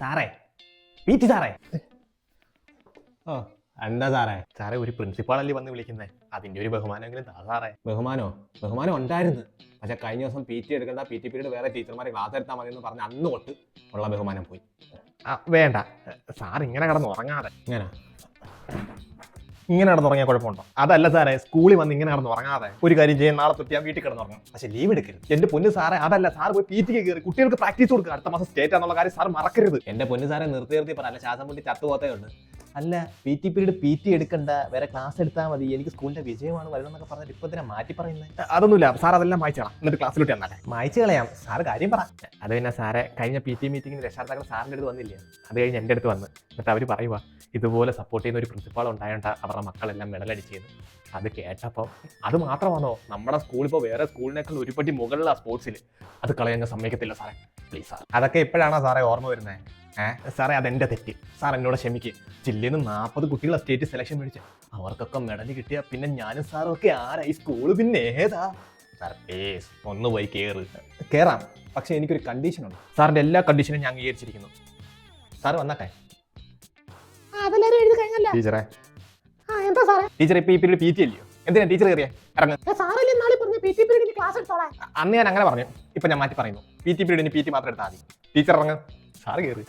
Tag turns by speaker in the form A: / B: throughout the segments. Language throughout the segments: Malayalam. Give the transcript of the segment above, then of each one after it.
A: സാറേ പി.ടി. സാറേ.
B: ഓ എന്താ സാറേ?
A: സാറേ ഒരു പ്രിൻസിപ്പാളല്ലേ വന്ന് വിളിക്കുന്നത്, അതിന്റെ ഒരു ബഹുമാനമെങ്കിലും താ സാറേ.
B: ബഹുമാനം ഉണ്ടായിരുന്നു. പക്ഷെ കഴിഞ്ഞ ദിവസം PT എടുക്കേണ്ട, PT പീരീഡ് വേറെ ടീച്ചർമാരെ ക്ലാസ് എടുത്താൽ മതി എന്ന് പറഞ്ഞ് അന്ന് തൊട്ട് ഉള്ള ബഹുമാനം പോയി.
A: വേണ്ട സാർ ഇങ്ങനെ കിടന്ന് ഉറങ്ങാതെ.
B: ഇങ്ങനെ
A: കിടന്നുറങ്ങിയ കുഴപ്പമുണ്ടോ? അതല്ല സാറേ, സ്കൂളിൽ വന്ന് ഇങ്ങനെ കിടന്ന് ഉറങ്ങാതെ ഒരു കാര്യം ചെയ്യാൻ, നാളെ തൊട്ട് ഞാൻ വീട്ടിൽ കിടന്നുറങ്ങും.
B: പക്ഷെ ലീവ് എടുക്കരുത്.
A: എന്റെ പൊന്ന് സാറേ, അതല്ല, സാർ പോയി PT കയറി കുട്ടികൾക്ക് പ്രാക്ടീസ് കൊടുക്കുക. അടുത്ത മാസം സ്റ്റേറ്റ് ആണെന്നുള്ള കാര്യം സാർ മറക്കരുത്.
B: എന്റെ പൊന്ന് സാറെ നിർത്തി പറ, അല്ല ശ്വാസം മുട്ടി ചത്തുപോത്തേ ഉണ്ട്. അല്ല PT പീരീഡ് PT എടുക്കണ്ട, വേറെ ക്ലാസ് എടുത്താൽ മതി, എനിക്ക് സ്കൂളിന്റെ വിജയമാണ് വരണമെന്നൊക്കെ പറഞ്ഞിട്ട് ഇപ്പൊ തന്നെ മാറ്റി പറയുന്നത്.
A: അതൊന്നുമില്ല സാർ, അതെല്ലാം മായ്ച്ചോളാം. എന്നിട്ട് ക്ലാസ്സിലോട്ട് വന്നാലേ
B: മായ്ച്ചു കളയാം. സാറ് കാര്യം പറ.
A: അത് പിന്നെ സാറേ, കഴിഞ്ഞ PT മീറ്റിംഗിന് രക്ഷാകർത്താക്കൾ സാറിൻ്റെ അടുത്ത് വന്നില്ലേ, അത് കഴിഞ്ഞ് എൻ്റെ അടുത്ത് വന്ന് എന്നിട്ട് അവർ പറയുക ഇതുപോലെ സപ്പോർട്ട് ചെയ്യുന്ന ഒരു പ്രിൻസിപ്പാൾ ഉണ്ടായോണ്ട അവരുടെ മക്കളെല്ലാം മെഡലടിച്ചത്. അത് കേട്ടപ്പോൾ അത് മാത്രമാണോ, നമ്മുടെ സ്കൂൾ ഇപ്പോൾ വേറെ സ്കൂളിനേക്കാൾ ഒരുപടി മുകളിലാണ് സ്പോർട്സിൽ. അത് കളയാൻ സമ്മതിക്കത്തില്ല സാറേ, പ്ലീസ് സാർ.
B: അതൊക്കെ ഇപ്പോഴാണോ സാറേ ഓർമ്മ വരുന്നത്?
A: സാറേ അതെൻ്റെ തെറ്റ്, സാർ എന്നോട് ക്ഷമിക്കുക. ജില്ലയിൽ നിന്ന് 40 കുട്ടികളെ സ്റ്റേറ്റ് സെലക്ഷൻ മേടിച്ച് അവർക്കൊക്കെ മെഡൽ കിട്ടിയ പിന്നെ ഞാനും സാറും ഒക്കെ ആരായി സ്കൂള് പിന്നെ ഏതാ?
B: സാർ പ്ലീസ് ഒന്ന് പോയി കയറാം, പക്ഷെ എനിക്കൊരു കണ്ടീഷൻ ഉണ്ട്.
A: സാറിൻ്റെ എല്ലാ കണ്ടീഷനും ഞാൻ അംഗീകരിച്ചിരിക്കുന്നു.
B: സാർ വന്നട്ടെ.
C: അതെല്ലാരും എഴുതി കഴിഞ്ഞല്ലോ
A: ടീച്ചറെ.
C: എന്താ സാറേ?
A: ടീച്ചർ ഇപ്പൊ ഈ പീരീഡ് PT അല്ലയോ, എന്തിനാ ടീച്ചർ കയറിയേ? ഇറങ്ങ്.
C: സാറല്ലേ നാളെ പറഞ്ഞു PT പീരീഡിന് ക്ലാസ് എടുത്തോളാം.
A: അന്ന് ഞാൻ അങ്ങനെ പറഞ്ഞു, ഇപ്പൊ ഞാൻ മാറ്റി പറയുന്നു. PT പീരീഡിന് PT മാത്രം എടുത്താൽ മതി. ടീച്ചർ ഇറങ്ങ്, സാറ് കയറി.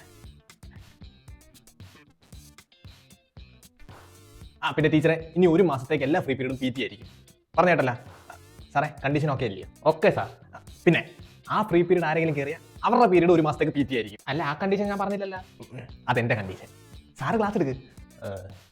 A: പിന്നെ ടീച്ചറെ, ഇനി ഒരു മാസത്തേക്ക് എല്ലാ ഫ്രീ പീരീഡും PT ആയിരിക്കും. പറഞ്ഞേട്ടല്ല സാറേ, കണ്ടീഷൻ ഓക്കെ അല്ലയോ?
B: Okay sir.
A: പിന്നെ ആ ഫ്രീ പീരീഡ് ആരെങ്കിലും കയറിയാൽ അവരുടെ പീരീഡ് ഒരു മാസത്തേക്ക് PT ആയിരിക്കും.
B: അല്ല, ആ കണ്ടീഷൻ ഞാൻ പറഞ്ഞില്ലല്ലോ.
A: അതെന്റെ കണ്ടീഷൻ. സാറ് ക്ലാസ് എടുക്ക്.